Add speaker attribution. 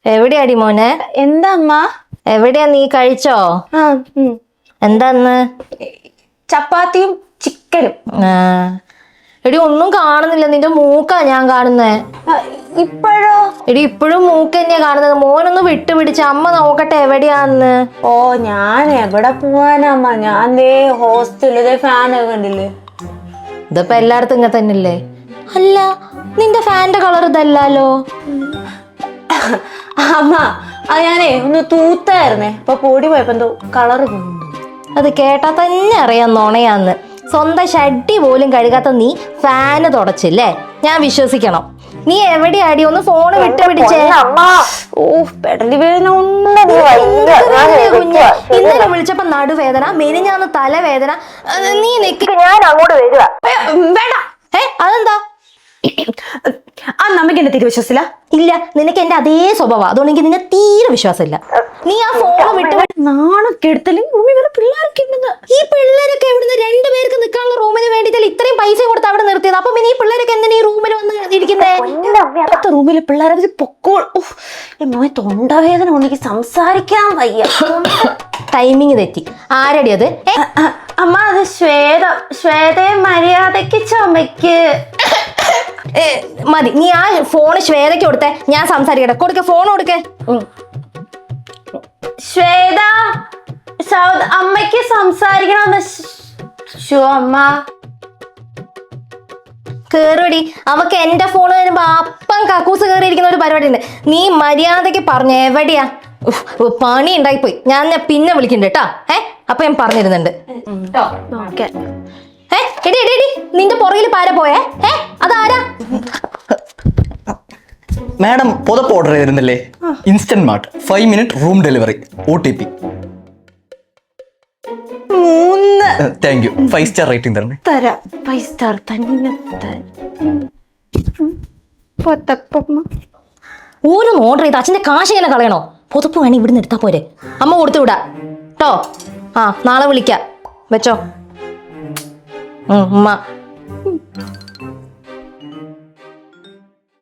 Speaker 1: എവിടെയാടി മോനെ?
Speaker 2: എന്താ അമ്മ?
Speaker 1: എവിടെയാ, നീ കഴിച്ചോ? എന്താന്ന്?
Speaker 2: ചപ്പാത്തിയും ചിക്കനും.
Speaker 1: എടി ഒന്നും കാണുന്നില്ല, നിന്റെ മൂക്കാ ഞാൻ കാണുന്നേ.
Speaker 2: ഇപ്പോഴോ?
Speaker 1: എടി ഇപ്പോഴും മൂക്ക് തന്നെയാ കാണുന്നത്. മോനൊന്ന് വിട്ടുപിടിച്ച, അമ്മ നോക്കട്ടെ എവിടെയാന്ന്.
Speaker 2: ഓ ഞാൻ എവിടെ പോവാനമ്മ, ഞാൻ ദേ ഹോസ്റ്റലിലെ ഫാനൊക്കെ കണ്ടില്ലേ.
Speaker 1: ഇതിപ്പോ എല്ലായിടത്തും ഇങ്ങനെ തന്നെയല്ലേ? അല്ല, നിന്റെ ഫാന്റെ കളർ ഇതല്ലോ.
Speaker 2: അമ്മ അത് ഞാനേ ഒന്ന് തൂത്തായിരുന്നേ, അപ്പൊ പൊടി പോയപ്പോ എന്തോ കളറ് കൊണ്ടു.
Speaker 1: അത് കേട്ടാ തന്നെ അറിയാം നുണയാന്ന്. സ്വന്തം ഷഡ്ഡി പോലും കഴുകാത്ത നീ ഫാന് തുടച്ചില്ലേ? ഞാൻ വിശ്വസിക്കണം? നീ എവിടെയാടി? ഒന്ന് ഫോണ് വിട്ടുപിടിച്ചേ.
Speaker 2: ഓ പെടലി വേദന.
Speaker 1: ഇന്നലെ വിളിച്ചപ്പോ നടുവേദന, മെനിഞ്ഞാന്ന് തലവേദന. നീ നിക്ക്, ഞാൻ അങ്ങോട്ട് വരിക.
Speaker 2: വേണ്ട.
Speaker 1: അതെന്താ?
Speaker 2: ആ നമുക്ക് എന്നെ തീരെ വിശ്വസില്ല.
Speaker 1: ഇല്ല, നിനക്ക് എന്റെ അതേ സ്വഭാവം, അതുകൊണ്ട് എനിക്ക് നിന്നെ തീരെ വിശ്വാസമില്ല. നീ ആ ഫോണ് വിട്ട്
Speaker 2: നാണക്കെടുത്തലും പിള്ളേരൊക്കെ.
Speaker 1: ഈ പിള്ളേരൊക്കെ എവിടുന്ന്? രണ്ടുപേർക്ക് നിൽക്കാനുള്ള റൂമിന് വേണ്ടിയിട്ടല്ലേ ഇത്രയും പൈസ കൊടുത്ത് അവിടെ നിർത്തിയത്. അപ്പൊ പിന്നെ ഈ പിള്ളേരൊക്കെ എന്തിനാ ഈ റൂമിൽ വന്ന് ഇരിക്കുന്നേ?
Speaker 2: അടുത്ത റൂമിലെ പിള്ളേരെ പൊക്കോൾ. മോനെ തൊണ്ടവേദന ഉണ്ടെങ്കിൽ സംസാരിക്കാൻ വയ്യ.
Speaker 1: ടൈമിങ് തെറ്റി. ആരടി അത്?
Speaker 2: അമ്മ അത് ശ്വേത. ശ്വേതയെ മര്യാദക്ക് ചുമക്ക്.
Speaker 1: മതി, നീ ആ ഫോണ് ശ്വേതയ്ക്ക് കൊടുത്തേ, ഞാൻ സംസാരിക്കട്ടെ. കൊടുക്ക, ഫോൺ കൊടുക്കേ.
Speaker 2: ശ്വേത, അമ്മയ്ക്ക് സംസാരിക്കണമെന്ന്. അമ്മ
Speaker 1: കേറുവടി. അവക്ക് എന്റെ ഫോണ് വരുമ്പോ അപ്പം കക്കൂസ് കയറിയിരിക്കുന്ന ഒരു പരിപാടി ഉണ്ട്. നീ മര്യാദക്ക് പറഞ്ഞു എവിടെയാ? പണി ഉണ്ടായിപ്പോയി. ഞാൻ പിന്നെ വിളിക്കണ്ട കേട്ടോ. അപ്പൊ ഞാൻ പറഞ്ഞിരുന്നുണ്ട്. എടി എടി എടി, നിന്റെ പുറകിൽ പാര പോയേ? അതാരാ?
Speaker 3: മാഡം പുതപ്പ് ഓർഡർ ചെയ്തിരുന്നില്ലേ? Instant mart 5 minute room delivery, OTP.
Speaker 2: 3.
Speaker 3: Thank you. 5 star rating തരണേ.
Speaker 2: തരാം. 5 സ്റ്റാർ തന്നെ.
Speaker 1: ഓരോന്ന് ഓർഡർ ചെയ്ത് അച്ഛന്റെ കാശ് ഇങ്ങനെ കളയണോ? പുതപ്പ് വേണേ ഇവിടുന്ന് എടുത്താ പോരെ? അമ്മ കൊടുത്തു വിടാ കേട്ടോ. നാളെ വിളിക്കാം. വെച്ചോ. ഉമ്മ